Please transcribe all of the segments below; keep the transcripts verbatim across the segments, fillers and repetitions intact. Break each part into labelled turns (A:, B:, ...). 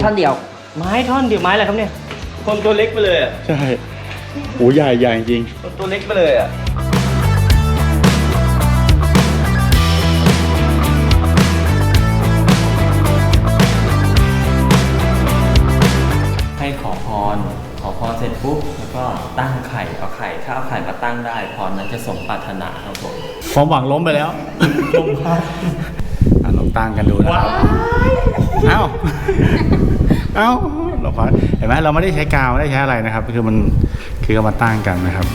A: ท่อนเดียว
B: ไม้ท่อนเดียวไม้อะไรครับเนี่ยคนตัวเล็กไปเลยอ่ะ
C: ใช่โอ้ใหญ่ใหญ่จริง
B: คนตัวเล็กไปเลยอ่ะให้ขอพรขอพรเสร็จปุ๊บแล้วก็ตั้งไข่เอาไข่ถ้าเอาไข่มาตั้งได้พรนั้นจะสมปรารถนาครับผม
C: ความหวังล้มไปแล้วล้มครับลองตั้งกันดูนะครับเอ้าเอ้าเราพอเห็นไหมเราไม่ได้ใช้กาวไม่ได้ใช้อะไรนะครับคือมันคือเอามาตั้งกันนะครับ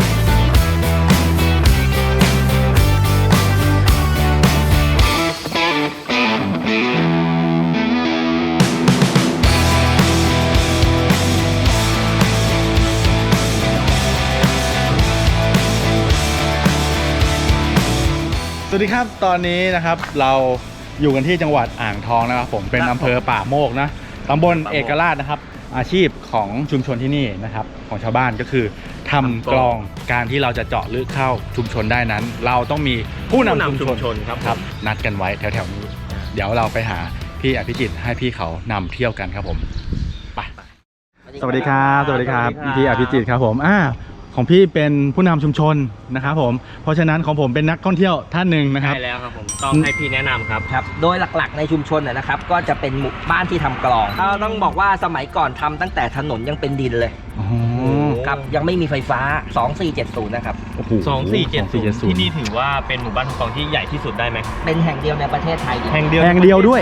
C: สวัสดีครับตอนนี้นะครับเราอยู่กันที่จังหวัดอ่างทองนะครับผมเป็นอำเภอป่าโมกนะตำบลเอกราชนะครับอาชีพของชุมชนที่นี่นะครับของชาวบ้านก็คือทำกลองการที่เราจะเจาะลึกเข้าชุมชนได้นั้นเราต้องมีผู้นำชุมชนครับครับนัดกันไว้แถวๆนี้เดี๋ยวเราไปหาพี่อภิจิตรให้พี่เขานำเที่ยวกันครับผมไปสวัสดีครับสวัสดีครับพี่อภิจิตรครับผมอ่าของพี่เป็นผู้นำชุมชนนะครับผมเพราะฉะนั้นของผมเป็นนักท่องเที่ยวท่านหนึ่งนะครับ
B: ใช่แล้วครับผมต้องให้พี่แนะนำครับ
A: ครับโดยหลักๆในชุมชนนะครับก็จะเป็นหมู่บ้านที่ทำกลองเราต้องบอกว่าสมัยก่อนทำตั้งแต่ถนนยังเป็นดินเลยครับยังไม่มีไฟฟ้าสองสี่เจ็ดศูนย์นะครับ
B: สองสี่เจ็ดศูนย์ที่นี่ถือว่าเป็นหมู่บ้านทำกลองที่ใหญ่ที่สุดได้ไหม
A: เป็นแห่งเดียวในประเทศไทย
B: แห่งเดียว
C: แห่งเดียวด้วย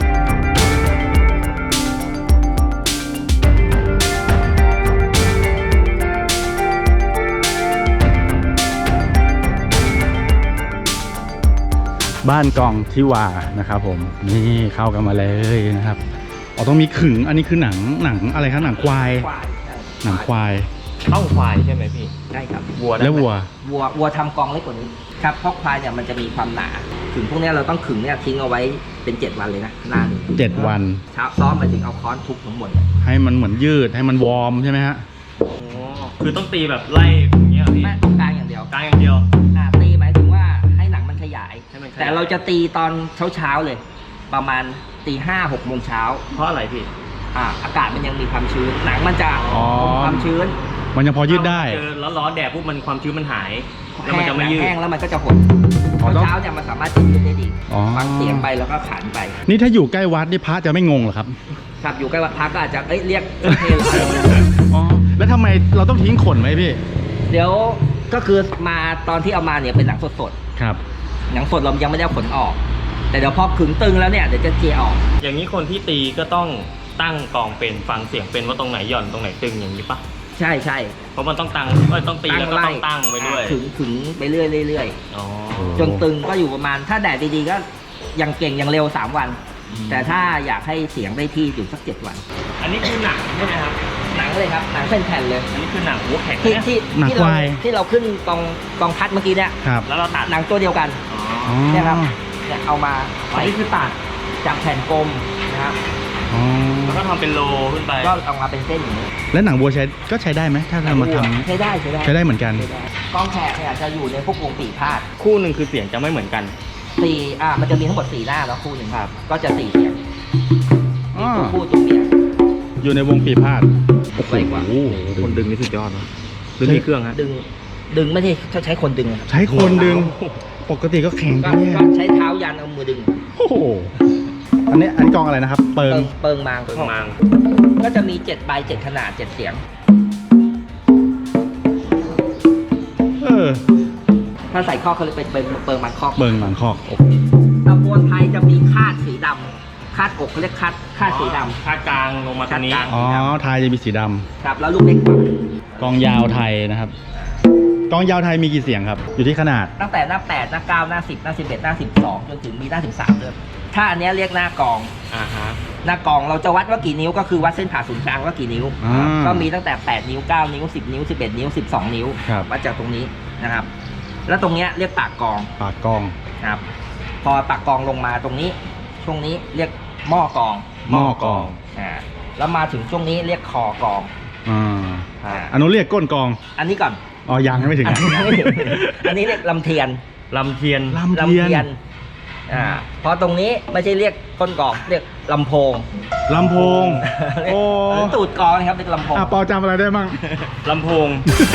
C: บ้านกองทิวานะครับผมนี่เข้ากันมาเลยนะครับอ๋อต้องมีขึงอันนี้คือหนังหนังอะไรครับหนังควายหนังควาย
B: เต้าควายใช่ไหมพี่
A: ใช่ครับ
B: วัว
C: แล้ววัว
A: วัววัวทำกองเล็กกว่านี้ครับเพราะควายเนี่ยมันจะมีความหนาขึงพวกนี้เราต้องขึงเนี่ยทิ้งเอาไว้เป็นเจ็ดวันเลยนะนาน
C: เจ็ดวัน
A: เช้าซ้อมมาถึงเอาค้อนทุบทั้งหมด
C: ให้มันเหมือนยืดให้มันวอร์มใช่ไหมฮะ
B: อ๋อคือต้องตีแบบไล่อย่างเงี้ยพี่
A: ไม่ต้องกลางอย่างเดียว
B: กลางอย่างเดียว
A: อ่าตีหมายถึงว่าให้หนังมันขยายแต่เราจะตีตอนเช้าเช้าเลยประมาณตีห้าหกโมงเช้า
B: เพราะอะไรพี่
A: อ่าอากาศมันยังมีความชื้นหนังมันจะความชื้น
C: มันยังพอยืดได้
B: เจอร้อนๆแดดปุ๊บมันความชื้นมันหายแล้วมันจะไม่ยืด
A: แห้งแล้วมันก็จะหดเช้าเช้าเนี่ยมันสามารถจะยืดได้ดีฟังเสียงไปแล้วก็ขันไป
C: นี่ถ้าอยู่ใกล้วัดนี่พระจะไม่งงเหรอครับ
A: ครับอยู่ใกล้วัดพระก็อาจจะเอ้ยเรียกเทล
C: อ๋อแล้วทำไมเราต้องทิ้งขนไหมพี่
A: เดี๋ยวก็คือมาตอนที่เอามาเนี่ยเป็นหนังสด
C: ๆครับ
A: หนังสดเรายังไม่ได้ขนออกแต่เดี๋ยวพอขึงตึงแล้วเนี่ยเดี๋ยวจะเจียออก
B: อย่างนี้คนที่ตีก็ต้องตั้งกลองเป็นฟังเสียงเป็นว่าตรงไหนหย่อนตรงไหนตึงอย่างนี้ปะ
A: ใช่ใช่
B: เพราะมันต้องตั้งต้องตีแล้วก็ต้องตั้งไปด้วย
A: ขึงขึงไปเรื่อยเรื่อยจนตึงก็อยู่ประมาณถ้าแดดดีๆก็ยังเก่งยังเร็วสามวันแต่ถ้าอยากให้เสียงได้ที่อยู่สักเจ็ดวัน
B: อันนี้คือหนังใช่ไหมครับ
A: หนังเลยครับหนังเป็นแผ่นเลย
B: อันนี้คือหนังหัวแข็ง
A: ที่ที่ที่เราที่เราขึ้นกองกองพัดเมื่อกี้เนี่ย
B: แล้วเราตัด
A: หนังตัวเดียวกันเนี่ยครับเนี่ยเอามาไว้คือตัดจากแผ่นกลมนะครับ
B: แล้วก็ทำเป็นโลขึ้นไป
A: ก็เอามาเป็นเส้นอย่างนี้
C: แล้วหนังวัวใช้ก็ใช้ได้ไหมถ้าเรามาท
A: ำใช้ได้ใช้ได้
C: ใช้ได้เหมือนกัน
A: กองแขกเนี่ยจะอยู่ในพวกวงปีพาด
B: คู่หนึ่งคือเสียงจะไม่เหมือนกัน
A: สี่อ่ามันจะมีทั้งหมดสี่หน้าแล้วคู่หนึ่งครับก็จะสี่เสียงตัวคู่ตัวเมีย
C: อยู่ในวงปีพาด
A: ไวกว่า
B: คนดึงนี่สุดยอดนะดึงที่เครื่องฮะ
A: ดึงดึงไม่ใช่เขาใช้คนดึง
C: ใช้คนดึงปกติก็แข็ง
A: ก็ใช้เท้ายันเอามือดึง
C: โอ้โหอันนี้อันนี้กองอะไรนะครับเปิง
A: เปิงมาง
B: เปิงมาง
A: ก็จะมีเจ็ดใบเจ็ดขนาดเจ็ดเสียง
C: เออ
A: ถ้าใส่ข้อเขาเลยเป็นเปิงมางข้อ
C: เปิงมางข้อ
A: ตะโพนไทยจะมีคาดสีดำคาดอกเขาเรียกคาดคาดสีดำ
B: คาดกลางลงมาตรงนี้
C: อ๋อไทยจะมีสีดำ
A: ครับแล้วลูกเล็กกว่
C: ากองยาวไทยนะครับกองยาวไทยมีกี่เสียงครับอยู่ที่ขนาด
A: ตั้งแต่หน้าแปดหน้าเก้าหน้าสิบหน้าสิบเอ็ดหน้าสิบสองจนถึงมีหน้าถึงสามเลยถ้าอันนี้เรียกหน้ากอง
B: อ่าฮะ
A: หน้ากองเราจะวัดว่ากี่นิ้วก็คือวัดเส้นผ่าศูนย์กลางว่ากี่นิ้วก็มีตั้งแต่แปดนิ้วเก้านิ้วสิบนิ้วสิบเอ็ดนิ้วสิบสองนิ้ววัดจากตรงนี้นะครับแล้วตรงเนี้ยเรียกปากกอง
C: ปากกอง
A: ครับพอปากกองลงมาตรงนี้ช่วงนี้เรียกหม้อกอง
C: หม้อกอง
A: อ่าแล้วมาถึงช่วงนี้เรียกคอกอง
C: อ่าอ่าอันนู้นเรียกก้นกอง
A: อันนี้ก่อน
C: อ๋อยังไม่ถึง
A: อันนี้เรียกลำเทียน
B: ลำเทียน
C: ลำเทียน
A: อ่าพอตรงนี้ไม่ใช่เรียกก้นกลองเรียกลำโพง
C: ลำโพง โอ้
A: หรือตูดกลองนะครับเรียกลำโพง
C: อ่ะปอจำอะไรได้บ้าง
B: ลำโพง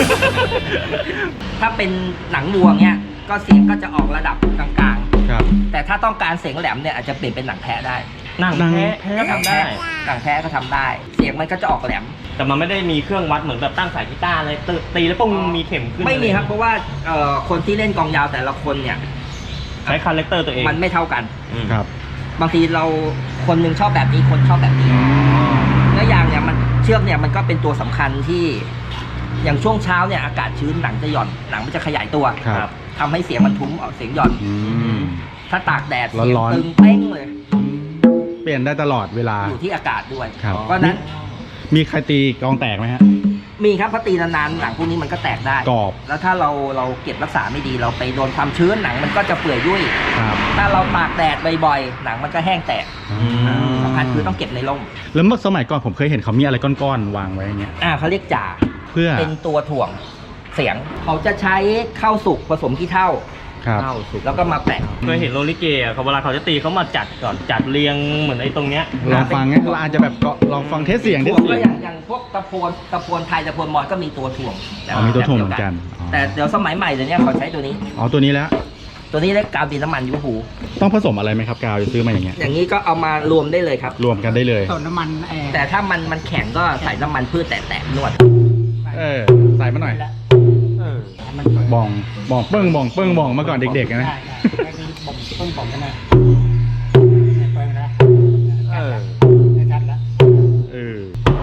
A: ถ้าเป็นหนังวัวเนี่ยก็เสียงก็จะออกระดับกลาง
C: ครับ
A: ๆแต่ถ้าต้องการเสียงแหลมเนี่ยอาจจะเปลี่ยนเป็นหนังแท้ได้
B: หนัง
C: หนัง
B: แท้
C: แท้
B: ก็ทำได้
A: หนังแท้ก็ทำได้ เสียงมันก็จะออกแหลม
B: แต่มันไม่ได้มีเครื่องวัดเหมือนแบบตั้งสายกีตาร์เลยตีตีแล้วปุ้งมีเข็มขึ้น
A: ไม่มีครับเพราะว่าเอ่อคนที่เล่นกลองยาวแต่ละคนเนี่ย
B: ใช้คาแรคเตอร์ตัวเอง
A: มันไม่เท่ากัน
B: อืม
C: ครับ
A: บางทีเราคนหนึงชอบแบบนี้คนชอบแบบนี้แล้วอย่างเนี่ยมันเชือกเนี่ยมันก็เป็นตัวสำคัญที่อย่างช่วงเช้าเนี่ยอากาศชื้นหนังจะหย่อนหนังมันจะขยายตัว
C: ครับ
A: ทำให้เสียงมันทุ้มออกเสียงหย่อน
C: อืม
A: ถ้าตากแดดเสียง
C: ร้อนๆ
A: ตึงเป้งเลย
C: เปลี่ยนได้ตลอดเวลา
A: อยู่ที่อากาศด้วย
C: ครับ
A: เพราะฉะนั้น
C: มีใครตีกลองแตกไหมฮะ
A: มีครับพอตีนานๆหนังพวกนี้มันก็แตกได้
C: กรอบ
A: แล้วถ้าเราเราเก็บรักษาไม่ดีเราไปโดนความชื้นหนังมันก็จะเปื่อยยุ่ย
C: ครับ
A: ถ้าเราตากแดดบ่อยๆหนังมันก็แห้งแตก
C: อืม
A: สำคัญคือต้องเก็บในร่ม
C: แล้วเมื่อสมัยก่อนผมเคยเห็นเขามีอะไรก้อนๆวางไว้อย่างเงี้ย
A: อ่าเขาเรียกจ่า
C: เพื่อ
A: เป็นตัวถ่วงเสียง เขาจะใช้ข้าวสุกผสมขี้เถ้า
C: ครับ
A: ข้าวสุกแล้วก็มาแปะ
B: เคยเห็นโรลิเกอ่ะเขาเวลาเขาจะตีเขามาจัดก่อนจัดเรียงเหมือนไอ้ตรงเนี้ย
C: ลองฟังงั้นเราอาจจะแบบก็ลองฟังเทสเสียงเทส
A: ถ่วง
C: เสี
A: ก็
C: ยง
A: อย่างอย่างพวกตะโพนตะโพนไทยตะโพนมอญก็มีตัวถ่วง
C: อ๋อมีตัวถ่วงเหมือนกันอ๋อ
A: แต่เดี๋ยวสมัยใหม่เดี๋ยวนี้เขาใช้ตัวนี้
C: อ๋อตัวนี้แล้ว
A: ตัวนี้เรียกกาวดินน้ำมันยูหู
C: ต้องผสมอะไรไหมครับกาวจะซื้อมาอย่างเงี้ย
A: อย่างนี้ก็เอามารวมได้เลยครับ
C: รวมกันได้เลย
D: ส่วนน้ำมันแอร์
A: แต่ถ้ามันมันแข็งก็ใส่น้ำมันพืชแตะๆนวด
C: เออใส่มาหน่อย
B: เออ
D: ให้มันเปิด
C: บองบองเปิ้งบองเปิ้งบองมาก่อนเด็กๆนะ
D: ได้ได้ก็คือบ่มต้นบ่มกันนะเปิดนะ
B: เออ
D: ได้ชัดแล้ว
C: เออ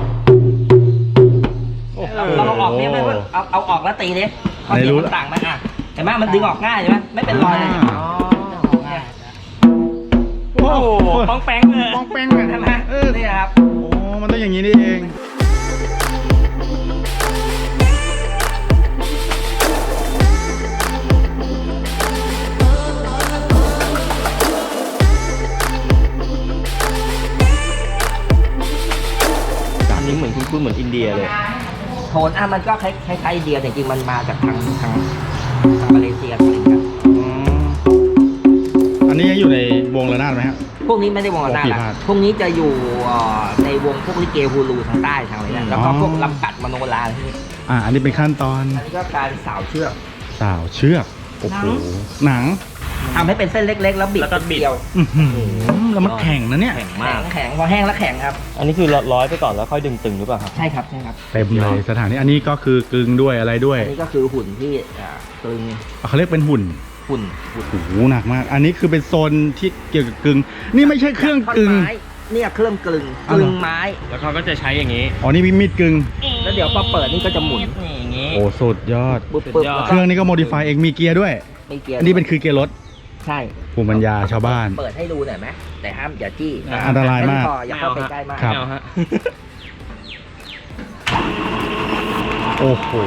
A: เราเราเอาออกเนี่ยไม่เพื่อนเอาเอาออกแล้วตีดิเขาเสียงมันต่างไหมอ่ะเห็นไหมมันดึงออกง่ายใช่ไหมไม่เป็นรอยเลย
C: อ่า
A: เนี่ย
C: โอ้โห
B: ป้องแป้งเลย
C: ปองแป้งเลย
A: ใช่ไหม
C: เออ
A: นี่ครับ
C: โอ้มันต้องอย่างนี้นี่เอง
B: อันนี้เหมือนคุ้นๆเหมือนอินเดียเลย
A: โทนอ่ะมันก็คล้ายๆอินเดียแต่จริงๆมันมาจากทางทางทางมาเลเซียอะไรกัน
C: อืมอันนี้ยังอยู่ในวงระนาดไหมฮะ
A: พวกนี้ไม่ได้วงระนาด
C: วงปี
A: ละ
C: พาด
A: พวกนี้จะอยู่เอ่อในวงพวกลิเกฮูลูทางใต้ทางอะไรนะแล้วก็
C: อ๋อ
A: พวกลำกัดมโนราที่นี่
C: อ่า อันนี้เป็นขั้นตอน
A: อันนี้ก็การสาวเชือก
C: สาวเชือก โอ้โห หนัง
A: ทำให้เป็นเส้นเล็ก ๆ แล้วบิด
B: แล้วก็บิด
A: เดียว
C: อื้อหือแล้วมันแข็งนะเนี่ย
B: แข็ง
A: แข็
B: มาก
A: งแข็งพอแห้งแล้วแข็งครับ
B: อันนี้คือร้อยไปก่อนแล้วค่อยดึงตึงหรือเปล่าครับ
A: ใช่ครับใช่ครับ
C: เต็มเลยสถานที่อันนี้ก็คือกึงด้วยอะไรด้วย
A: อันนี้ก็คือหุ่นที่อ่าตึง
C: เขาเรียกเป็นหุ่น
A: หุ่นหุ่น
C: โอ้โหหนักมาก อันนี้คือเป็นโซนที่เกี่ยวกับกึง นี่ไม่ใช่เครื่องกึง
A: ท่นไม้เนี่ยเครื่องกลึง
C: อ๋อก เหร
A: ลึ
C: อ
A: งไม้
B: แล้วเขาก็จะใช้อย่างนี้
C: อ๋อ นี่มีมีดกึง
A: แล้วเดี๋ยวพอเปิดนี่ก็จะหมุน
B: นี่อย่างนี้
C: โอ้สุดยอด
A: ปุ๊บ
B: สุด
A: ปุ๊บ
B: ยอด
A: แล้ว
C: เครื่องนี้ก็โมดิฟายเอง มีเกียร์ด้วย
A: ไม่เกียร์
C: อันนี้เป็นคือเกียร์รถ
A: ใช่
C: ภูมิปัญญาชาวบ้าน
A: เปิดให้ดูหน่อยไหมแต่ห้ามอย่าจี้
B: อ่า
C: อันตรายมาก
A: แค่นี้พออย่าเข้าไปใกล้มาก
C: ครับ
B: ไม่เอาฮะ
C: โอ้โห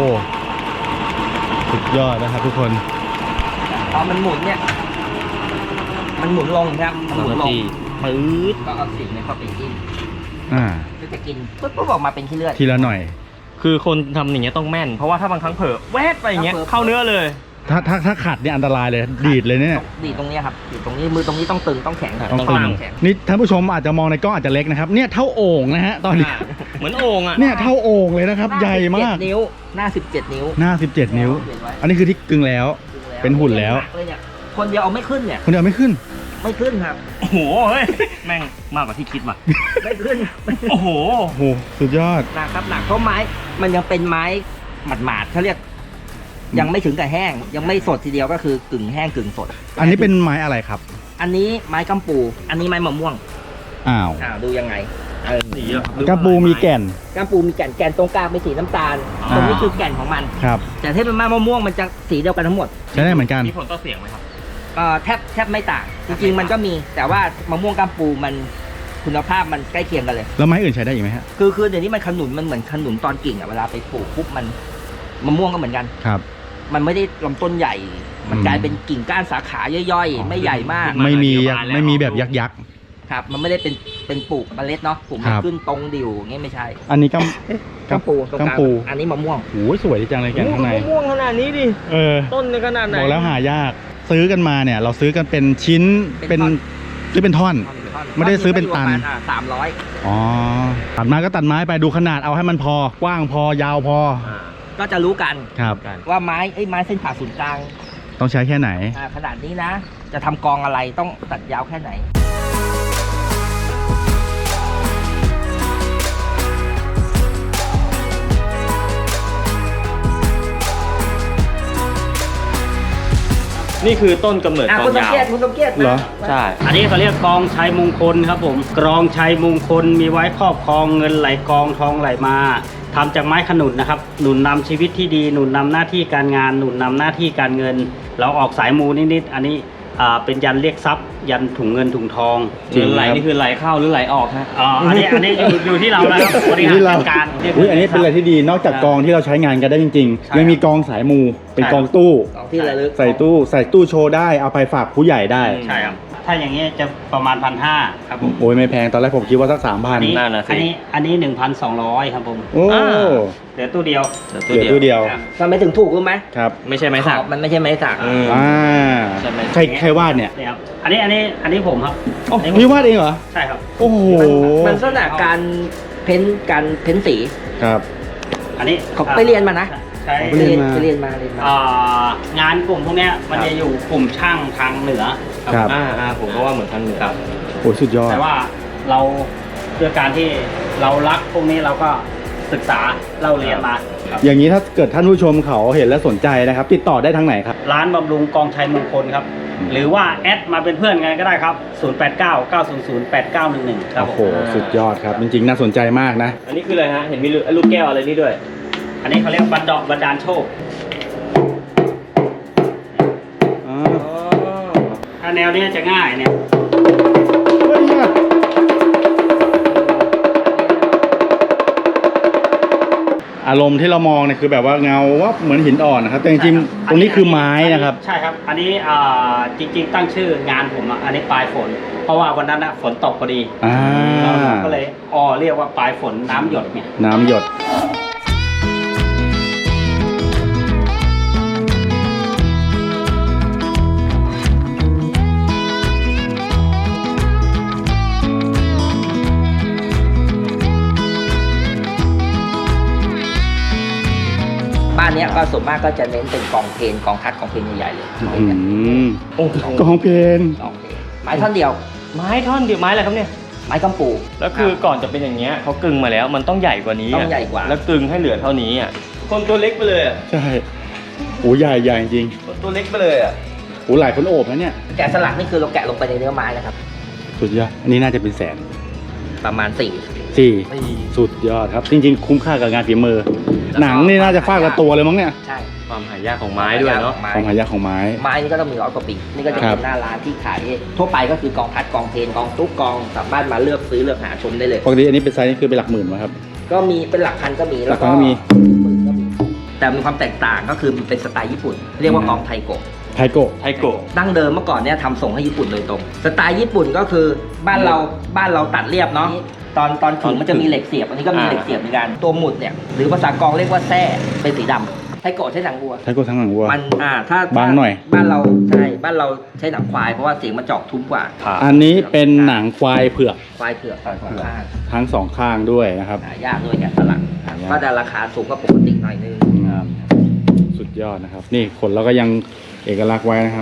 C: สุดยอดนะครับทุกคน
A: พอมันหมุนเนี่ย มันหมุนลงครับมันหมุนลง
B: ปื๊ด
A: ก็เอาสิ่งนี้เข้าไปกิน
C: อ่า
A: ก็จะกินปุ๊บปุ๊บออกมาเป็นขี้เลือด
C: ทีละหน่อย
B: คือคนทำอย่างเงี้ยต้องแม่น เพราะว่าถ้าบางครั้งเผลอแวบไปอย่างเงี้ย
A: ถ้าเผลอ
B: เข้าเนื้อเลย
C: ถ้าถ้าถ้าขัดเนี่ยอันตรายเลย ดีดเลยเนี่ย
A: ดีดตรงเนี้ยครับดีดตรงนี้มือตรงนี้ต้องตึงต้องแข็ง
B: อ่ะ
C: ต้อง
B: ต้
C: ตึ
B: อง
C: ง
B: ตั้ง
A: แข็ง
C: นี่ท่านผู้ชมอาจจะมองในกล้องอาจจะเล็กนะครับ เนี่ยเท่าโอ่งนะฮะ ตอนนี้
B: อ่าเหมือนโอ่งอ่ะ
C: เนี่ยเท่าโอ่งเลยนะครับ ใหญ่มาก
A: สิบเจ็ดนิ้วหน้าสิบเจ็ดนิ้ว
C: หน้าสิบเจ็ดนิ้ว อันนี้คือที่กึ่งแล้ว เป็นหุ่นแล้ว
A: หกเยเนี่ยคนเดียวเอาไม่ขึ้นเนี่ย
C: คนเดียวไม่ขึ้น
A: ไม่ขึ้นครับ
B: โอ้โหเฮ้ยแม่งมากกว่าที่คิดว่ะ
A: ไม่ขึ้น
B: โอ้โห
C: โอ้โห สุดยอด
A: หนักครับหนักเพราะไม้มันยังเป็นไม้หมาดๆเขาเรียก ยังไม่ถึงกับแห้ง ยังไม่สดทีเดียวก็คือกึ่งแห้งกึ่งสด
C: อันนี้เป็นไม้อะไรครับ
A: อันนี้ไม้กำปู อันนี้ไม้มะม่วง
C: อ้าว
A: อ่าดูยังไงเออ
B: สีอะ
C: กระปูมีแก่น
A: กำปูมีแก่นแก่นตรงกลางเป็นสีน้ำตาล
B: อ่า
A: ตรงนี้คือแก่นของมัน
C: ครับ
A: แต่ถ้าเป็นไม้มะม่วงมันจะสีเดียวกันทั้งหมด
C: ใช้ได้เหมือนกัน
B: มีผลต่อเสียงไหมครับ
A: เอ่อแทบแทบไม่ต่าง จริงๆมันก็มี แต่ว่ามะม่วงกำปูมันคุณภาพมันใกล้เคียงกันเลย
C: แล้วไม้อื่นใช้ได้อีกไหมฮะ
A: คือคือเดี๋ยวนี้มันขนุนมันเหมือนขนุนตอนกิ่งอะเวลาไปปลูกปุ๊บมันมะม่วงก็เหมือนกัน
C: ครับ
A: มันไม่ได้ลำต้นใหญ่ มัน
C: อืม
A: กลายเป็นกิ่งก้านสาขาย่อยๆ ไม่ใหญ่มาก
B: มัน
C: ไม่มี
B: เดียวกันแล้ว
C: ไม่มีแบบยักษ์ยักษ์
A: ครับ มันไม่ได้เป็นเป็นปลูกเมล็ดเนาะปลูก
C: ค
A: มัน
C: รับ
A: ขึ้นตรงดิ่วอย่างงี้ไม่ใช่
C: อันนี้ก
A: กำปูตรงลาง
C: กำปู
A: อันนี้มะม่วง
C: ำโอ้ยสวยดีจังเลยแก่นข้างใน
B: มะม่วงขนาดนี้ดิ
C: เออ
B: ต้นในขนาดไหน
C: บอกแล้วหายากซื้อกันมาเนี่ย เราซื้อกันเป็นชิ้น
A: เป็
C: เป็น
A: นท่อน
C: ซื้อเป็นท่อน ไม่ได้ซื้อเป็นตัน
A: สามร้อย
C: อ๋อตัดไม้ก็ตัดไม้ไปดูขนาดเอาให้มันพอกว้างพอยาวพอ
A: ก็จะรู้กัน
C: ครับ
A: ว่าไม้ไอ้ไม้เส้นผ่าศูนย์กลาง
C: ต้องใช้แค่ไหน
A: อ่าขนาดนี้นะ จะทำกองอะไรต้องตัดยาวแค่ไหน
B: นี่คือต้นกำเนิด
A: อ่ะ
B: กอ
A: คุณ
B: ง
A: สม
B: ยาว
A: เกียรติคุณสมเกียรติ
C: เหรอ
B: ใช่
D: อันนี้เขาเรียกกองชัยมงคลครับผมกรองชัยมงคลมีไว้ครอบครองเงินไหลกองทองไหลมาทำจากไม้ขนุนนะครับหนุนนำชีวิตที่ดีหนุนนำหน้าที่การงานหนุนนำหน้าที่การเงิน เราออกสายมูนิดๆอันนี้อ่าเป็นยันเรียกทรัพย์ ยันถุงเงินถุงทอง
C: จริง
B: เงินไหล
C: ครับ
B: นี่คือไหลเข้าหรือไหลออกฮะ
D: อ๋ออันนี้อันนี้อยู่อยู่ที่เรานะครับบริหารจัดการ
C: อุ้ยอันนี้เป็นอะไรที่ดีนอกจากกองที่เราใช้งานกันได้จริงๆยังมีกองสายมูเป็นกองตู้
A: ของที่ระลึก
C: ใส่ตู้ใส่ตู้โชว์ได้เอาไปฝากผู้ใหญ่ได้
D: ใช่ครับถ้าอย่างนี้จะประมาณพันห้าครับผม
C: โอ้ยไม่แพงตอนแรกผมคิดว่าสักสามพั
D: อั
C: น
D: นนี้
B: นั่นน่ะสิ
D: อันนี้อันนี้หนึ่งพันสองร้อยครับผม
C: โอ้
B: อ่า
D: เหลือตู้เดียว
C: เหลือตู้เดียว
D: ครับ
A: ทำไมถึงถูกรู้ไหม
C: ครับ
B: ไม่ใช่ไม้สัก
A: ขอบมันไม่ใช่ไม้สัก
B: อืม
C: อ่า
B: ใช่ไหม
C: ใครใครวาดเนี่ย
D: นี่ครับอันนี้อันนี้อันนี้ผมครับ
C: โอ้
D: อันนี้ผม
C: พี่วาดเองเหรอ
D: ใช่ครับ
C: โอ้โห
A: มันลักษณะการเพ้นท์การเพ้นท์สี
C: ครับ
D: อันนี้
A: เขาไปเรียนมานะ
D: ใช่
C: ไปเรียนมา
A: ไปเรียนมาเรียนมา
D: อ่างานกลุ่มพวกเนี้ยมันจะอยู่กลุ่มช่างทางเหนือ
C: ครับ
B: อ่าอ่าผมก็ว่าเหมือนทางเหนือ
D: ครับ
C: โอ้สุดยอด
D: แต่ว่าเราด้วยการที่เรารักพวกนี้เราก็ศึกษาเราเรียนมาครับ
C: อย่างนี้ถ้าเกิดท่านผู้ชมเขาเห็นและสนใจนะครับ ติดต่อได้ทางไหนครับ
D: ร้านบำรุงกองชัยมงคลครับ
C: อืม
D: หรือว่าแอดมาเป็นเพื่อนกันก็ได้ครับ ศูนย์ แปด เก้า เก้า ศูนย์ ศูนย์ แปด เก้า หนึ่ง หนึ่ง ครับ
C: โอ้
D: ผ
C: โห
D: ม
C: สุดยอดครับ จริงๆ น่าสนใจมากนะ
B: อันนี้คืออะไรฮะ เห็นมีลูกแก้วอะไรนี่ด้วย
D: อันนี้เขาเรียกบันดอกบันดาลโชค
C: อ๋อ
D: ถ้าแนวนี้จะง่ายเนี่ย
C: เฮ้ยเนี่ยอารมณ์ที่เรามองเนี่ยคือแบบว่าเงาว่าเหมือนหินอ่อนนะครับ แต่จริงๆ ตรงนี้คือไม้นะครับ
D: ใช่ครับ อันนี้อ่าจริงๆ ตั้งชื่องานผมอ่ะอันนี้ปลายฝน เพราะว่าวันนั้นอ่ะฝนตกพอดี
C: อ่า
D: เราก็เลยอ๋อเรียกว่าปลายฝนน้ำหยดเนี่ย
C: น้ำหยด
A: บ้านเนี้ยก็ส่วนมากก็จะเน้นเป็นกองเพลนกองทัดกองเพลนใหญ่ๆเลย
C: อืม
B: โอ้โห
C: กองเพลน
A: กองเพลนไม้ท่อนเดียว
B: ไม้ท่อนเดียวไม้อะไรครับเนี่ย
A: ไม้กำปู
B: แล้วคือก่อนจะเป็นอย่างเงี้ยเขากึ่งมาแล้วมันต้องใหญ่กว่านี้ะ
A: ต้องใหญ่กว่า
B: แล้วกึ่งให้เหลือเท่านี้อ่ะคนตัวเล็กไปเลยอ่ะ
C: ใช่โอ้ใหญ่ใหญ่จริง
B: คนตัวเล็กไปเลยอ่ะ
C: โอ้หลายคนโอบนะเนี่ย
A: แกะสลักนี่คือเราแกะลงไปในเนื้อไม้นะครับ
C: สุดยอด อันนี้น่าจะเป็นแสน
A: ประมาณสี่
C: สี่สุดยอดครับ จริงๆ คุ้มค่ากับงานฝีมือ หนังนี่น่าจะฟาดละตัวเลยมั้งเนี่ย
A: ใช่
B: ความหายากของไม้ด้วยเนาะ
A: ไม้
C: ความหายากของไม้
A: ไม้นี่ก็ต้องมีร้อยกว่าปีนี่ก็จะ
C: ครั
A: เป็
C: บ
A: นหน้าร้านที่ขายทั่วไปก็คือกองทัดกองเพลนกองตุ๊กกองสามารถมาเลือกซื้อเลือกหาชมได้เลย
C: ปกติอันนี้เป็นไซส์นี่คือเป็นหลักหมื่นไหมครับ
A: ก็มีเป็นหลักพันก็มี
C: หลักพันก็มี
A: หมื่นก็มี แต่มีความแตกต่างก็คือมันเป็นสไตล์ญี่ปุ่น เรียกว่ากองไทโกะ
C: ไทโกะ
B: ไทโกะ
A: ดั้งเดิมเมื่อก่อนเนี่ยทำส่งให้ญี่ปุ่นโดยตรง สไตล์ญี่ปุ่นก็คือบ้านเราบ้านเราตัดเรียบเนาะตอนตอนขึงมันจะมีเหล็กเสียบอันนี้ก็มีเหล็กเสียบเหมือนกันตัวหมุดเนี่ยหรือภาษากองเรียกว่าแส้เป็นสีดำไทโกะใช้หนังวัว
C: ไทโกะทั้งหลังวัว
A: มันอ่าถ้า
C: บางหน่อย
A: บ้านเราใช่บ้านเราใช้หนังควายเพราะว่าเสียงมันเจาะทุ้มกว่า
C: อันนี้เป็นหนังควายเผือก
A: ควายเผือกสองข้าง
C: ทั้งสองข้างด้วยนะครับ
A: หายากด้วยแกะสลัก
C: หายาก
A: ก็จะราคาสูงกว่าปกติหน่อยนึง
C: สุดยอดนะครับ นี่ขนเราก็ยังเอกลักษณ์ไว้นะครับ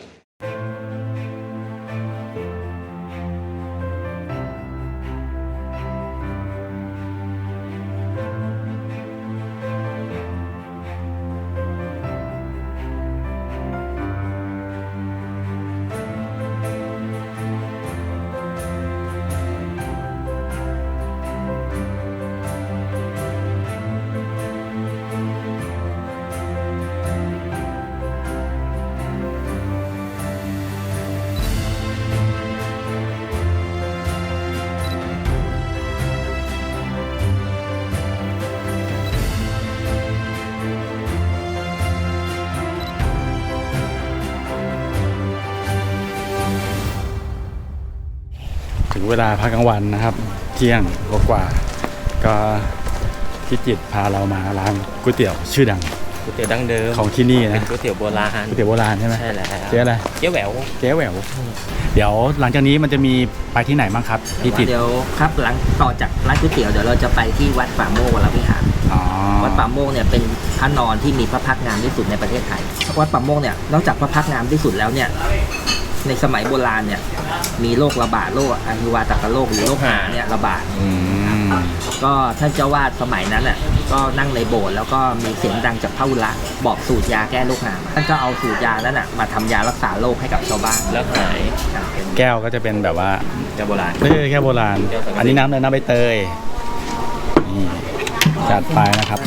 C: ถึงเวลาพักกลางวันนะครับ เที่ยงกว่าๆก็พี่จิตรพาเรามาร้านก๋วยเตี๋ยวชื่อดัง
B: ก๋วยเตี๋ยวดั้งเดิม
C: ของที่นี่
B: เป็
C: นะ
B: นก๋วยเตี๋ยวโบราณ
C: ก๋วยเตี๋ยวโบราณใช่ไหม
B: ใช่แล้ว
C: เจ๊อะไร
B: เจ๊แหวว
C: เจ๊แหววเดี๋ยวหลังจากนี้มันจะมีไปที่ไหนบ้างครับพี่ติด
A: เดี๋ยวครับหลังต่อจากร้านก๋วยเตี๋ยวเดี๋ยวเราจะไปที่วัดป่าโมกวรวิหาร
C: อ๋อ
A: วัดป่าโมกเนี่ยเป็นพระนอนที่มีพระพักตร์งามที่สุดในประเทศไทยวัดป่าโมกเนี่ยนอกจากพระพักตร์งามที่สุดแล้วเนี่ยในสมัยโบราณเนี่ยมีโรคระบาดโรคอหิวาตกโรคหรือโรคหาเนี่ยระบาด
C: อืม
A: ก็ท่านเจ้าวาดสมัยนั้นอ่ะก็นั่งในโบสถ์แล้วก็มีเสียงดังจากพระอุระบอกสูตรยาแก้โรคหามาท่านก็เอาสูตรยานั้นอ่ะมาทำยารักษาโรคให้กับชาวบ้าน
B: แล้วหาย
A: ครับเป็น
C: แก้วก็จะเป็นแบบว่า
B: เจ้าโบราณ
C: ไม่ใช่แค่โบราณ
B: แก้วสังกะสี
C: อันนี้น้ำเลยน้ำใบเตยนี่จัดไปนะครับ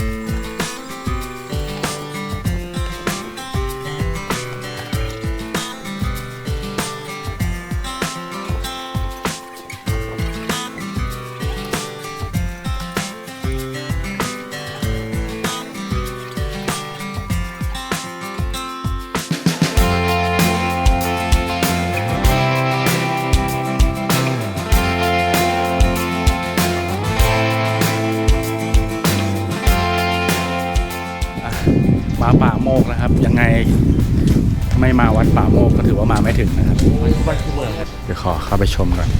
C: มาป่าโมกนะครับ ยังไงไม่มาวัดป่าโมกก็ถือว่ามาไม่ถึงนะครับ
B: วัดที่เมืองครับ
C: เดี๋ยวขอเข้าไปชมก่อน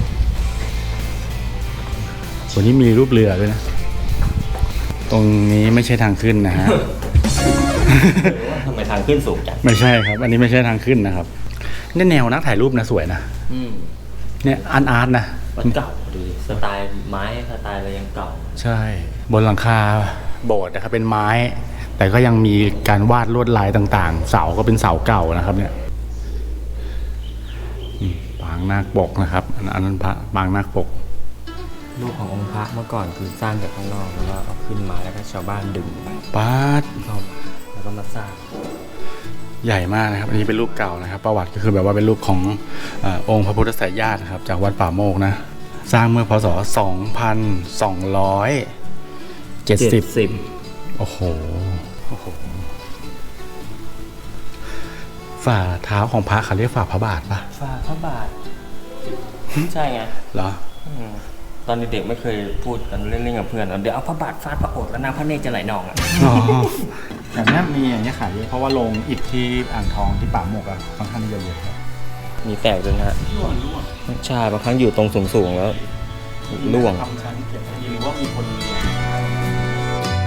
C: วันนี้มีรูปเรือด้วยนะ ตรงนี้ไม่ใช่ทางขึ้นนะฮะ
B: ทำไมทางขึ้นสูงจัง
C: ไม่ใช่ครับ อันนี้ไม่ใช่ทางขึ้นนะครับนี่แนวนักถ่ายรูปนะสวยนะ
B: อืม
C: เนี่ยอาร์ตอาร์ตนะ
B: วัดเก่าดูดิสไตล์ไม้สไตล์อะไรยังเก่า
C: ใช่ บนหลังคาโบสถ์นะครับเป็นไม้ แต่ก็ยังมีการวาดลวดลายต่างๆ เสาก็เป็นเสาเก่านะครับเนี่ยอืมปางนาคปกนะครับ อันอันนั้นพระปางนาคปก
B: รูปขององค์พระเมื่อก่อนคือสร้างจากข้างนอกแล้วก็เอาขึ้นมาแล้วก็ชาวบ้านดึงไป
C: ปาด
B: เข้ามาแล้วก็มาสร้าง
C: ใหญ่มากนะครับ อันนี้เป็นรูปเก่านะครับ ประวัติก็คือแบบว่าเป็นรูปของเอ่อองค์พระพุทธสายญาตินะครับ จากวัดป่าโมกนะ สร้างเมื่อพศสองพันสองร้อยเจ็ดสิบ
B: สิบ
C: โอ้โหโอ้โห ฝ่าเท้าของพระเขาเรียกฝ่าพระบาทปะ
B: ฝ่าพระบาท ใช่ไง
C: เหรอ
B: อืมตอนเด็กๆไม่เคยพูดกันเล่นๆกับเพื่อนเดี๋ยวเอาพระบาทฟาดพระโอษฐ์แล้วน้ำพระเนตรจะไหลนองอ่ะ
C: อ๋อแต่นี้มีอย่างนี้ขายเยอะเพราะว่าลงอิฐที่อ่างทองที่ป่าโมกอะค่อนข้างเยอะเลยครับ
B: มีแตกด้วยนะฮะใช่บางครั้งอยู่ตรงสูงๆแล้วร่วง
C: ทำชั้นเก็บไว้ดีหรือว่ามีคนเลี้ยง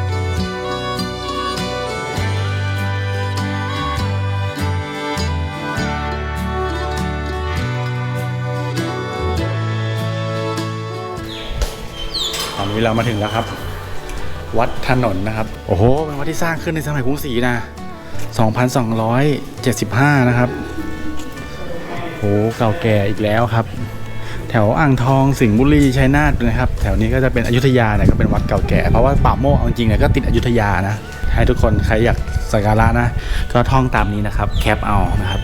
C: ตอนนี้เรามาถึงแล้วครับ วัดถนนนะครับ โอ้โห เป็นวัดที่สร้างขึ้นในสมัยกรุงศรีนะ สองพันสองร้อยเจ็ดสิบห้า นะครับโอ้เก่าแก่อีกแล้วครับ แถวอ่างทองสิงห์บุรีชัยนาทนะครับ แถวนี้ก็จะเป็นอยุธยาเนี่ยก็เป็นวัดเก่าแก่ เพราะว่าป่าโมกเอาจริงๆเนี่ยก็ติดอยุธยานะ ให้ทุกคนใครอยากสักการะนะ ก็ท่องตามนี้นะครับ แคปเอานะครับ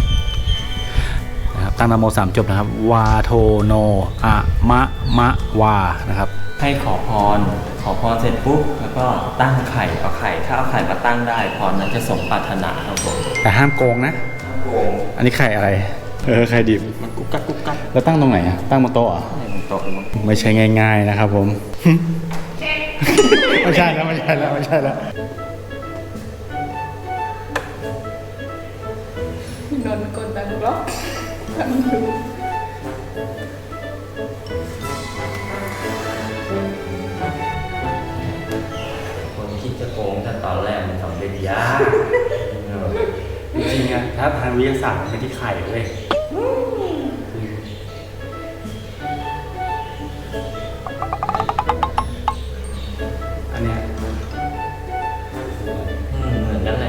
C: นะครับ ตั้งนะโมสามจบนะครับ วาโทโนอะมะมะวานะครับ
B: ให้ขอพร ขอพรเสร็จปุ๊บแล้วก็ตั้งไข่เอาไข่ ถ้าเอาไข่มาตั้งได้พรนั้นจะสมปรารถนาครับผม
C: แต่ห้ามโกงนะ
B: โกง
C: อันนี้ไข่อะไร เออไข่ดิบ
B: มันกุ๊กกักกุ๊กกัก
C: แล้วตั้งตรงไหนอะตั้งบนโต๊ะเหรอ
B: ในมันโตะมัน
C: ไม่ใช่ง่ายๆนะครับผม ไม่ใช่แล้วไม่ใช่แล้วไม่ใช่แล้ว
E: นนกดดันบล็อกทำดู
B: คนคิดจะโกงแต่ตอนแรกมันทำได้ยาก
C: จริงๆอะถ้าทางวิทยาศาสตร์มันเป็นที่ไข่เลยอันเนี้ย
B: อืมเหมือนกันแหละ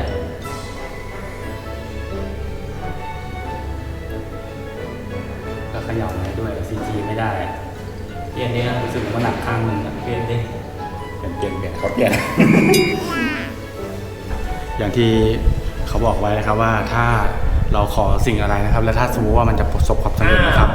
C: แล้วเขย่าได้ด้วยซีจีไม่ได้
B: เปลี่ยนเนี่ย
C: รู้สึกว่าหนักข้างหนึงอะ
B: เปลี่ยนดิ
C: เปลี่ยนเปลี่ยนเปลี่ยนเขาเปลี่ยน อย่างที่เขาบอกไว้นะครับว่าถ้าเราขอสิ่งอะไรนะครับ แล้วถ้าสมมติว่ามันจะประสบความสำเร็จนะครับ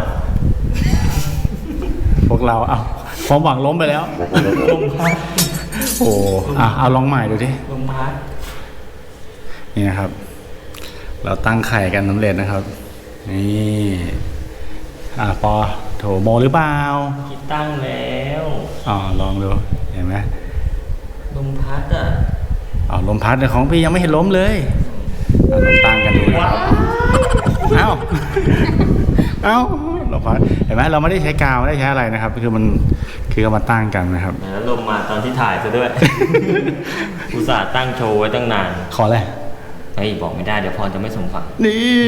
C: พวกเราเอาความหวังล้มไปแล้วล้มพัดโอ้อ่ะเอาลองใหม่ดูดิ
B: ลมพัด
C: นี่นะครับ เราตั้งไข่กันสำเร็จนะครับ นี่อ่ะปอโถโมหรือเปล่า
B: คิดตั้งแล้ว
C: อ๋อลองดูเห็นไหม
B: ลมพัดอ่ะ
C: อ๋อลมพัดแต่ของพี่ยังไม่เห็นล้มเลยเอาลองตั้งกันดูนะครับเอ้าเอ้าลมพัดเห็นไหมเราไม่ได้ใช้กาวไม่ได้ใช้อะไรนะครับคือมันคือเอามาตั้งกันนะครับ
B: แล้วลมมาตอนที่ถ่ายซะด้วย อุตส่าห์ตั้งโชว์ไว้ตั้งนาน
C: ขออะไร
B: เฮ้ยบอกไม่ได้เดี๋ยวพรจะไม่สมหวัง
C: นี่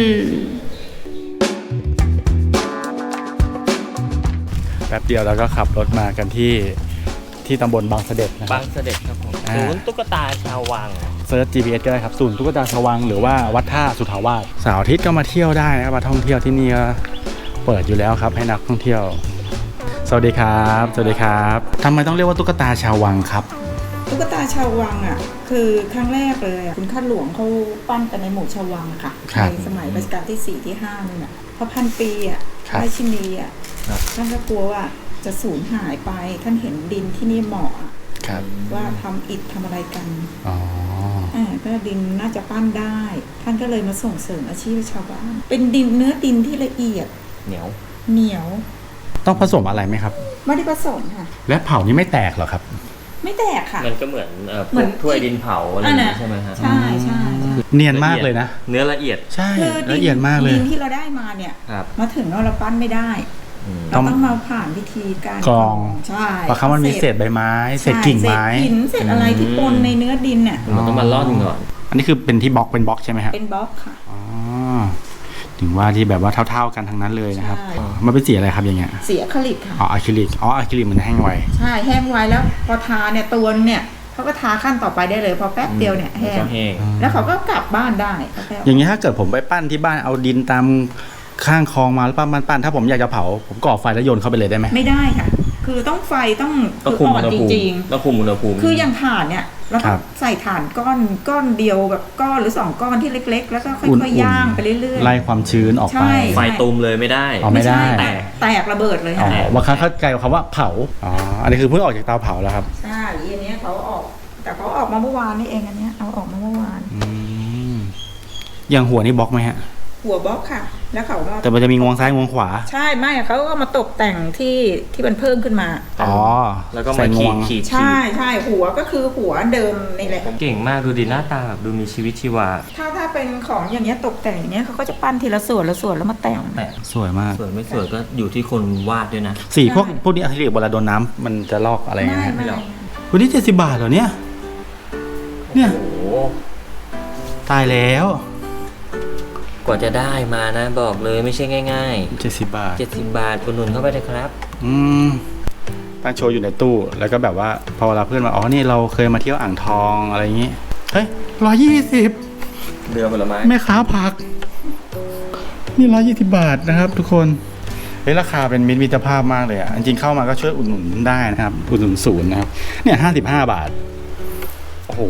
C: แป๊บเดียวเราก็ขับรถมากันที่ที่ตำบลบางเสด็จนะค
B: บา
C: รับ
B: งเสด็จครับผม
C: อ่า
B: ศูนย์ตุ๊กตาชาววัง
C: เซิร์ช จี พี เอส ก็ได้ครับศูนย์ตุ๊กตาชวังหรือว่าวัดท่าสุทธาวาสเสาร์อาทิตย์ก็มาเที่ยวได้นะครับมาท่องเที่ยวที่นี่ก็เปิดอยู่แล้วครับให้นักท่องเที่ยวสวัสดีครับสวัสดีครับทำไมต้องเรียกว่าตุ๊กตาชาววังครับ
E: ตุ๊กตาชาววังอ่ะคือครั้งแรกเลยอ่ะคุณข้าหลวงเขาปั้นกันในหมู่ชาววังอะค่ะ
C: ครับ
E: ในสมัยรัชกาลที่สี่ที่ห้านี่นน่ะพอพันปีอ่ะ
C: ครับ
E: ราชินีอ่ะท่านก็กลัวว่าจะสูญหายไปท่านเห็นดินที่นี่เหมาะอะ
C: ครับ
E: ว่าทำอิฐทำอะไรกัน
C: อ๋อ
E: อ่าก็ดินน่าจะปั้นได้ ท่านก็เลยมาส่งเสริมอาชีพชาวบ้านเป็นดินเนื้อดินที่ละเอียด
B: เหนียว
E: เหนียว
C: ต้องผสมอะไรไหมครับ
E: ไม่ได้ผสมค่ะ
C: และเผานี่ไม่แตกเหรอครับ
E: ไม่แตกค่ะ
B: มันก็เหมือนเอ่อพ
E: เหมื
B: ว
E: อน
B: กถ้วยดินเผาอะไรอย่างนี้ใช่ไหมฮะ
E: ใช่ใช่ใช่
C: เนียนมากเลยนะ
B: เนื้อละเอียด
C: ใช่
E: คือดิ
C: ละ
E: น
C: เอียดมากเลย
E: ดินที่เราได้มาเนี่ย
B: ครับ
E: มาถึงเราเราปั้นไม่ได้
B: อืม
E: เราต้องมาผ่านวิธีการ
C: กรอง
E: ใช่
C: เพราะเขามันมีเศษใบไม้เศษกิ่งไม้
E: ใช่เศษหินเศษอะไรที่ปนในเนื้อดินเนี่ย
B: มันต้องมาล่อนก่อน
C: อันนี้คือเป็นที่บล็อกเป็นบล็อกใช่ไหมครับ
E: เป็นบล็อกค่ะ
C: อ๋อถึงว่าที่แบบว่าเท่าๆกันทั้งนั้นเลยนะครับ
E: ใช่
C: อ๋อมันเป็นสีอะไรครับอย่างเงี้ย
E: สีอะคริลิกค่ะ
C: อ๋ออะคริลิกอ๋ออะคริลิกมันแห้งไว
E: ใช่แห้งไว้แล้วพอทาเนี่ยตัวเนี่ยเขาก็ทาขั้นต่อไปได้เลย พอแป๊บเดียวเนี่ยแห้ง
B: ก็แห้ง
E: แล้วเขาก็กลับบ้านได้แป๊บ
C: อย่างนี้ถ้าเกิดผมไปปั้นที่บ้านเอาดินตามข้างคลองมาแล้วปั้นปั้นๆถ้าผมอยากจะเผาผมก่อไฟแล้วโยนเข้าไปเลยได้ไหม
E: ไม่ได้ค่ะ คือต้องไฟต้อง
B: ต้อง
E: คือ
B: คุม
E: อ่อ
B: อุ
E: น
B: ณห
E: จ
B: ภูมิ
E: ริง
B: ต้องคุมอุณหภูมิ
E: ๆ คืออย่างถ่านเนี่ยเรา
C: ค
E: ก็
C: รับ
E: ใส่ถ่านก้อนก้อนเดียวแบบก้อนหรือสองก้อนที่เล็ก ๆ แล้วก็ค่
C: อุ่น
E: อย
C: ๆ
E: ๆย่างไปเรื่อยๆ
C: ไล่ความชื้นออกไป
E: ใช่
B: ไฟตูมเลยไม่ได้
C: อ๋อไม่ได้
E: ใช่แตกแตกระเบิดเลย
C: อ๋อ
E: ค่ะ
C: บางครั้งเข้าใจคำว่าเผาอ๋ออันนี้คือเพิ่งออกจากเตาเผาแล้วครับ
E: ใช่อันเนี้ยเขาออก แต่เขาออกมาเมื่อวานนี่เองอันเนี้ยเอาออกมาเมื่อวาน
C: อืมอย่างหัวนี่บล็อกไหมฮะ
E: หัวบล็อกค่ะ แล้วเขาก็
C: แต่มันจะมีงวงซ้ายงวงขวา
E: ใช่ไม่อะเขาก็มาตกแต่งที่ที่มันเพิ่มขึ้นมา
C: อ๋อ
B: แล้วก็
C: ใส่
B: มาง ขี
C: ว
B: ด
C: ง
B: ขีด
E: ใช่ใช่หัวก็คือหัวเดิมนี่แหละ
B: เก่งมากดูดิหน้าตาแบบดูมีชีวิตชีวา
E: ถ้าถ้าเป็นของอย่างเงี้ยตกแต่งอย่างเงี้ยเขาก็จะปั้นทีละส่วนละส่วนแล้วมาแต่ง
B: แต่
C: สวยมาก
B: สวยไม่สวยก็อยู่ที่คนวาดด้วยนะ
C: สีพวก
E: ใช่
C: พวกนี้อะคริลิกเวลาโดนน้ำมันจะลอกอะไร
E: ไม่
C: เงี้ยฮะ
E: ไม่
C: วันนี้เจ็ดสิบบาทเหรอเนี่ย เนี่ย
B: โอ้โห
C: ตายแล้ว
B: กว่าจะได้มานะบอกเลยไม่ใช่ง่าย
C: เจ็ดสิบบาท
B: ๆเจ็ดสิบบาทคุณหนุนเข้าไปเลยครับ
C: อืมตั้งโชว์อยู่ในตู้ แล้วก็แบบว่าพอเวลาเพื่อนมา อ๋อ นี่เราเคยมาเที่ยวอ่างทองอะไรอย่างงี้ เฮ้ยร้อยยี่สิบ
B: เรือผลไม้
C: แม่ค้าผัก นี่ร้อยยี่สิบบาทนะครับ ทุกคน เฮ้ยราคาเป็นมิตรมิตรภาพมากเลยอ่ะ จริงๆเข้ามาก็ช่วยอุดหนุนได้นะครับ อุดหนุนศูนย์นะครับ เนี่ยห้าสิบห้าบาท โอ้โห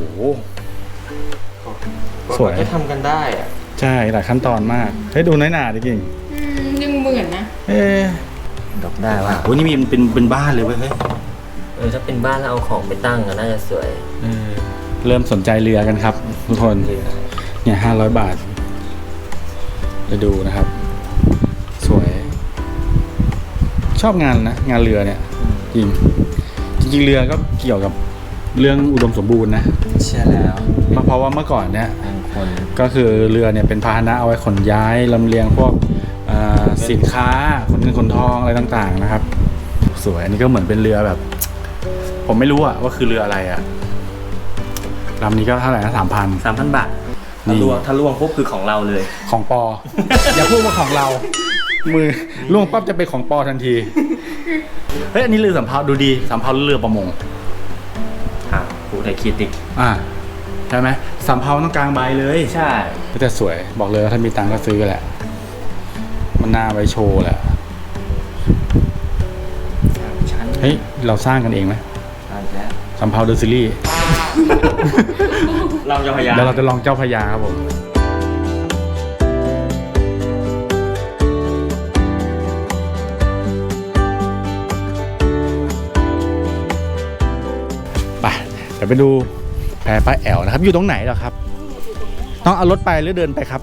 C: สวย
B: จะทำกันได้อะ
C: ใช่ หลายขั้นตอนมาก เฮ้ยดูน้อยหนาดิกิ่ง
E: ยังเหมือนนะ
C: เอ๊ะ
B: ดอกได้ว่า
C: โอ้ยนี่มีเป็นเป็นบ้านเลยเว้ยเฮ้ย
B: เออถ้าเป็นบ้านแล้วเอาของไปตั้งอะน่าจะสวย
C: เออเริ่มสนใจเรือกันครับ ทุกคน เนี่ยห้าร้อยบาทจะดูนะครับ สวย ชอบงานนะ งานเรือเนี่ย จริง จริงๆเรือก็เกี่ยวกับเรื่องอุดมสมบูรณ์นะ
B: ใช่แล้ว
C: เพราะว่าเมื่อก่อนเนี่ย
B: บางคน
C: ก็คือเรือเนี่ยเป็นพาหนะเอาไว้ขนย้ายลำเลียงพวกอ่าสินค้าขนเงินขนทองอะไรต่างๆนะครับ สวยอันนี้ก็เหมือนเป็นเรือแบบ ผมไม่รู้อะว่าคือเรืออะไรอะลำนี้ก็เท่าไหร่นะสามพัน
B: สามพันบาท
C: นี่
B: ถ้าล่วงถ้าล่วงปุ๊บคือของเราเลย
C: ของปอ อย่าพูดว่าของเรา มือล่วงปั๊บจะเป็นของปอทันที เฮ้ยอันนี้เรือสำเภาดูดีสำเภาหรือเรือประมง
B: อ่าผู้ไทยคิดติก
C: อ่าใช่ไหมสำเภาต้องกลางใบเลย
B: ใช่
C: ก็จะสวยบอกเลยว่าถ้ามีตังค์ก็ซื้อแหละ มันน่าไว้โชว์แหละ
B: ชั้น
C: เฮ้ยเราสร้างกันเองไหม
B: ใช่แล้ว
C: สำเภาเดอะซีรีส์
B: เราจะพยายาม
C: เดี๋ยวเราจะลองเจ้าพระยาครับผมไปเดี๋ยวไปดูแพป้าแอวนะครับ อยู่ตรงไหนเหรอครับต้องเอารถไปหรือเดินไปครับ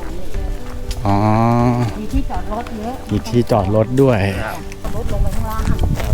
C: อ๋อ
E: มีที่จอดรถเยอะ
C: มีที่จอดรถด้วย
E: รถลงไปข้างล่าง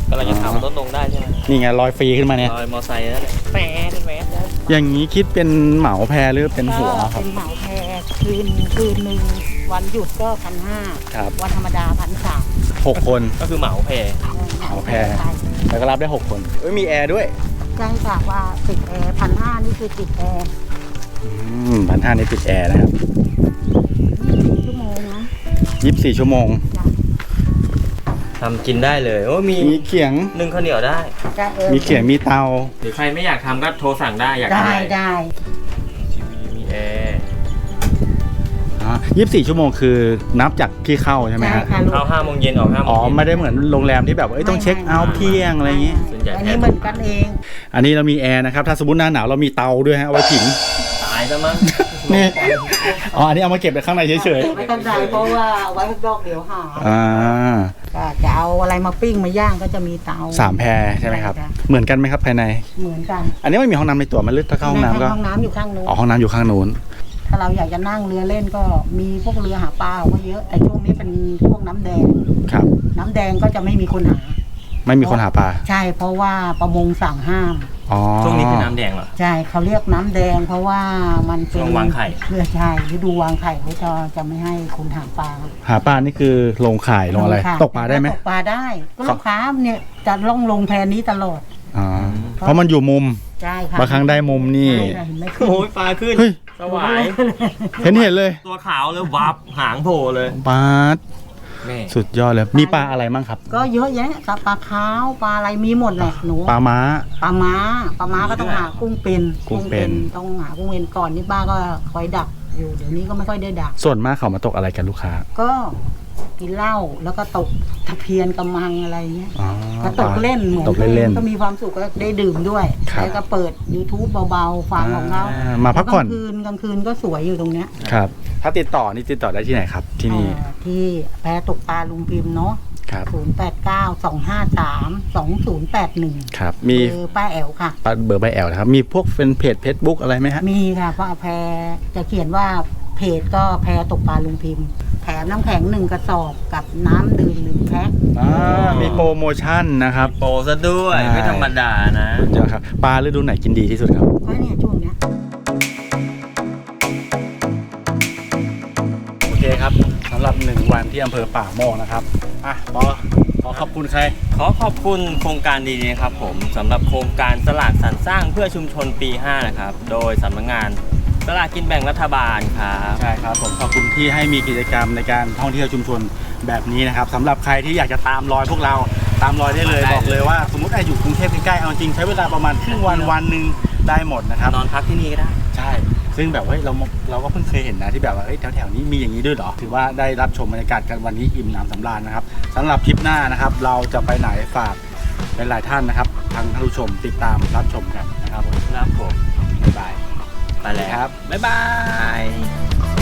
B: กำลังจะถามว่าลดลงได้ใช่ไหม
C: นี่ไงลอยฟรีขึ้นมาเนี่ย
B: ลอยมอไซค์นั่นแหละแฝดแฝด
C: อย่างนี้คิดเป็นเหมาแพหรือเป็นหัว
F: ก็
C: ครับ
F: เป็นเหมาแพรคืนคืนหนึ่งวันหยุดก็พันห้า
C: ครับ
F: วันธรรมดาพันสาม
C: หกคน
B: ก็คือเหมาเพ
C: เหมาแพร แล้วก็รับได้หกคนเอ้ยมีแอร์ด้วย
F: ใช่ค่ะว่าติดแอร์พันห้านี่คือติดแอร์
C: อืมพันห้านี่ติดแอร์นะครับ
F: ชั่วโมงนะ
C: ยี่สิบสี่ชั่วโมง
F: จ้ะ
B: ทำกินได้เลยโอ้มี
C: มีเขียง
B: นึ่งข้าวเหนียวได้
F: จ้ะเออ
C: มีเขียงมีเตา
B: หรือใครไม่อยากทำก็โทรสั่งได้อยาก
F: ได้
B: ทำอะไร
F: ได้
B: ทีวีมีแอร์
C: อ๋อยี่สิบสี่ชั่วโมงคือนับจากที่เข้าใช่ไหม
F: ได้
C: ฮะ
F: ค่ะลูก
B: เข้าห้าโมงเย็นออกห้าโมง
C: อ๋อ
B: เย็น
C: ไม่ได้เหมือนโรงแรมที่แบบว่าเอ้ยต้องเช็คเอาท์เที่ยงอะไรอย่างงี้
B: ส่วนใหญ่
F: อันนี้เหมือนกันเอง
C: อันนี้เรามีแอร์นะครับ ถ้าสมมติหน้าหนาวเรามีเตาด้วยฮะเอาไว้ผิง
B: ตายซะมั้ง
C: นี่ อ๋อ อันนี้เอามาเก็บไว้ข้างในเฉย
F: ไม่ต้องได้เพราะว่าเอาไว้ข้างนอกเดี๋ยวหา
C: ๆ อ่า
F: ก็จะเอาอะไรมาปิ้งมาย่างก็จะมีเตา
C: สามแพรใช่ไหมครับ
F: ใช่ค่ะ
C: เหมือนกันไหมครับภายใน
F: เหมือนกัน
C: อันนี้ไม่มีห้องน้ำในตัวมันลึกถ้าเข้าห้องน้ำก็
F: ห้องน้ำอยู่ข้างนู้น
C: อ๋อห้องน้ำอยู่ข้างนู้น
F: ถ้าเราอยากจะนั่งเรือเล่นก็มีพวกเรือหาปลาก็เยอะ แต่ช่วงนี้เป็นพวกน้ำแดง
C: ครับ
F: น้ำแดงก็จะไม่มีคนหา
C: ไม่มีคนหาปลา
F: ใช่เพราะว่าประมงสั่งห้าม
C: อ๋อ
B: ช่วงนี้คือน้ำแดงเหรอ
F: ใช่เขาเรียกน้ำแดง เพราะว่ามันเป็น
B: ช่วงวางไข่
F: เพื่อใช่ฤดูวางไข่เขาจะจะไม่ให้คนหาปลา
C: หาปลานี่คือลงข่ายลงอะไร
F: ค่ะ
C: ตกปลาได้ไหม
F: ตกปลาได้ก็ลูกค้าเนี่ยจะล่องลงแพนี้ตลอด
C: อ๋อ เพราะมันอยู่มุม
F: ใช่ค่ะ
C: บางครั้งได้มุมนี่
F: ใช่ค่ะเห็นไหมขึ้น
B: โอ้ยปลาขึ้น
C: เฮ้ย
B: สวาย
C: เห็นเห็นเลย
B: ตัวขาวเลยวับหางโผล่เลย
C: ปลา
B: แม่
C: สุดยอดเลย มีปลาอะไรมั่งครับ
F: ก็เยอะแยะกับปลาขาวปลาอะไรมีหมดแหละหนู
C: ปลาม้า
F: ปลาม้าปลาม้าก็ต้องหากุ้งเป็น
C: กุ้งเป็น
F: ต้องหากุ้งเป็นก่อนนี่ป้าก็คอยดักอยู่เดี๋ยวนี้ก็ไม่ค่อยได้ดัก
C: ส่วนมากเขามาตกอะไรกันลูกค้า
F: ก็กินเหล้าแล้วก็ตกตะเพียนกระมังอะไรเงี้ย
C: อ๋อ
F: ก็ตกเล่นเหมือน
C: ตกเล่นๆ
F: ก็มีความสุขก็ได้ดื่มด้วย
C: ครับ
F: แล้วก็เปิด YouTube เบาๆฟังของเขา
C: อ่ามาพักผ่อน
F: กลางคืนกลางคืนก็สวยอยู่ตรงเนี้ย
C: ครับ ถ้าติดต่อนี่ติดต่อได้ที่ไหนครับ ที่นี่
F: เอ่อที่แพตกปลาลุงพิมพ์เนาะ
C: ครับ
F: ศูนย์แปดเก้าสองห้าสามสองศูนย์แปดหนึ่ง
C: ครับ มี
F: คือป้าแอลค่ะ
C: เบอร์ใบแอลนะครับ มีพวกเป็นเพจเฟซบุ๊กอะไรไหมฮะ
F: มีค่ะเพราะแพรจะเขียนว่าเพจก็แพรตกปลาลุงพิมพ์แถมน้ำแข็งหนึ่งกระสอบกับน้ำดื่มหนึ่งแพ็ค
C: อ่า มีโปรโมชั่นนะครับ
B: โปรซะด้วย
C: ใช่
B: ไม่ธรรมดานะ
C: สุดยอดครับ ปลาฤดูไหนกินดีที่สุดครับ
F: ก็เนี่ยช่วงเนี้ย
C: โอเคครับสำหรับหนึ่งวันที่อำเภอป่าโมกนะครับ อ่ะปอขอขอบคุณใคร
B: ขอขอบคุณโครงการดีๆนะครับผมสำหรับโครงการสลากสรรสร้างเพื่อชุมชนปีห้านะครับ โดยสำนักงานสลากกินแบ่งรัฐบาลครับ
C: ใช่ครับผมขอบคุณที่ให้มีกิจกรรมในการท่องเที่ยวชุมชนแบบนี้นะครับสำหรับใครที่อยากจะตามรอยพวกเราตามรอยได้เลย
B: ได้
C: บอกเลยว่าสมมติไอ้อยู่กรุงเทพใกล้ๆเอาจริงใช้เวลาประมาณครึ่งวันวันหนึ่งได้หมดนะครับ
B: นอนพักที่นี่ก็ได้
C: ใช่ ซึ่งแบบว่าเฮ้ยเราเราก็เพิ่งเคยเห็นนะที่แบบว่าเอ้ยแถวๆนี้มีอย่างนี้ด้วยเหรอถือว่าได้รับชมบรรยากาศกันวันนี้อิ่มหนำสำราญนะครับสำหรับคลิปหน้านะครับ เราจะไปไหนฝากหลายๆท่านนะครับทางท่านผู้ชมติดตามรับชมกันนะครับผม
B: ครับผม
C: บ๊ายบาย
B: ไปแล้ว
C: ครับ
B: บ๊ายบาย